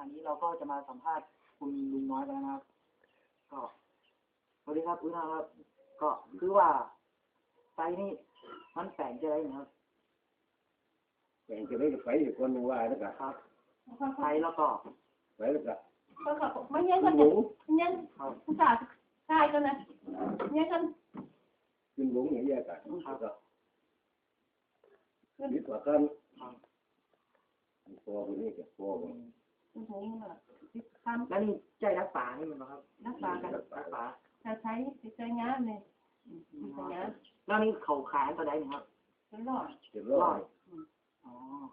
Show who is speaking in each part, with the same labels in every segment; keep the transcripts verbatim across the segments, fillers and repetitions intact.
Speaker 1: นนี้เราก็จะมาสัมภาษณ์คุณลุงน้อยกันนะครับก็สวัสดีครับคุณน้อยครับก็คือว่าไฟนี่มันแปลงจะได้นะครับ
Speaker 2: แบ่งจะได้ไฟอีกคนหนึ่งว่าแล้วก็
Speaker 1: ครับไฟแล้วก็
Speaker 2: ไฟแล้วก็
Speaker 3: ก็ก็ไม่เงี้ยกันเนี่ยเงี้ยภาษาใช่กันนะเงี้ยกัน
Speaker 2: ขึ้นหลงอย่างเงี้ยกันแล้วก็นิดกว่ากันพอคนนี้ก็พอคน
Speaker 3: โอ้โหทำ
Speaker 1: แล้วนี่ใจรักป่านี่มันนะครับ
Speaker 3: รักษากัน
Speaker 1: รักป่า
Speaker 3: จะใช้ใช้งานเลยใช้งาน
Speaker 1: แล้วนี่เขาขายตัวใดนะครับ
Speaker 3: เป็นรอด
Speaker 2: เจ็ดร้อย
Speaker 1: อ๋อ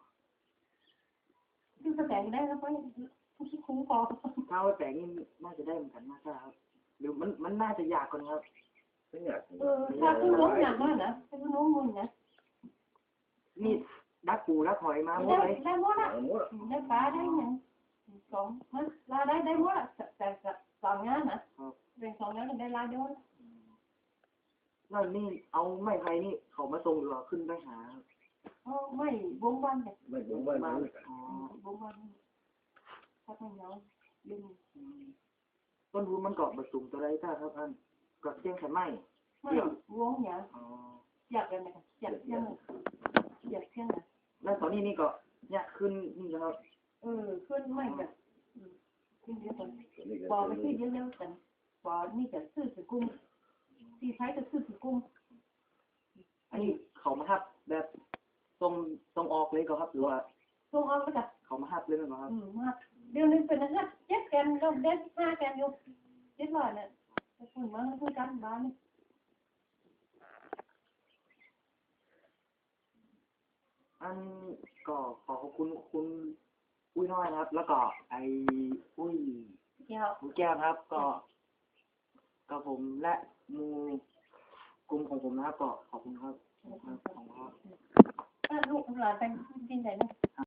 Speaker 3: คือแสดงได้แล้วก็ที่คุ้มครอง
Speaker 1: ถ้าว่าแปลงนี่น่าจะได้เหมือนกันมากครับหรือมันมันน่าจะยากกว่านี้ครับ
Speaker 2: ไม่อยาก
Speaker 3: เออถ้าขึ้นน้องอย่างนั้นนะขึ้นน้องมันนะ
Speaker 1: นี่ดักปูดักหอยมาหมดเลย
Speaker 3: ได้หมดอ่ะได้ปลาได้ยังสองมันลาได้ได้หมดอ่ะแต่สองงานนะเป็นสองงานได้ลาเดียว
Speaker 1: แล้วนี่เอาไม้ไผ่นี่เขามาส่งหรือว่าขึ้นไปหา
Speaker 3: อ๋อไม่วงวันเนี่ย
Speaker 2: ไม่วงวัน
Speaker 1: อ๋อ
Speaker 3: วงวันถ้าต้องเนาะดึง
Speaker 1: ต้นทุนมันเกาะบะสูงตัวไรถ้าครับท่านก็เจียงแค่ไม้
Speaker 3: ไม่วงเนี่ยอยากกันไหมอยากเที่ยงอยากเที่ยงนะ
Speaker 1: แล้วตอนนี้นี่ก็เนี่ยขึ้นนี่ครับ
Speaker 3: เออขึ้นไม่แบบขึ้นเยอะกันปอไปขึ้นเยอะๆกันปอนี่จะซื้อถือกุ้งตีใช้จะซื้อถือกุ้ง
Speaker 1: อันนี้เขามาทับแบบตรงตรงออกเลยก็ครับหรือว่า
Speaker 3: ตรงออกแล้วกัน
Speaker 1: เขามาทับเลยไหมครับ
Speaker 3: อืมมาเดี๋ยวนึงเป็นนะเจ็ดแกนลงเด็ดห้าแกนอยู่เจ็ดร้อยเนี่ยคุณมาคุยกันบ้านนี่
Speaker 1: อันก็ขอขอบคุณคุณอุ้ยน้อยนะครับแล้วก็ไอ้อุ้ย
Speaker 3: แก้ว
Speaker 1: อุ้ยแก้วครับก็กับผมและมูกลุ่มของผมนะครับก็ขอบคุณครับขอบคุณครับ
Speaker 3: ลูกหลานเป็นดินไหนเนี่ย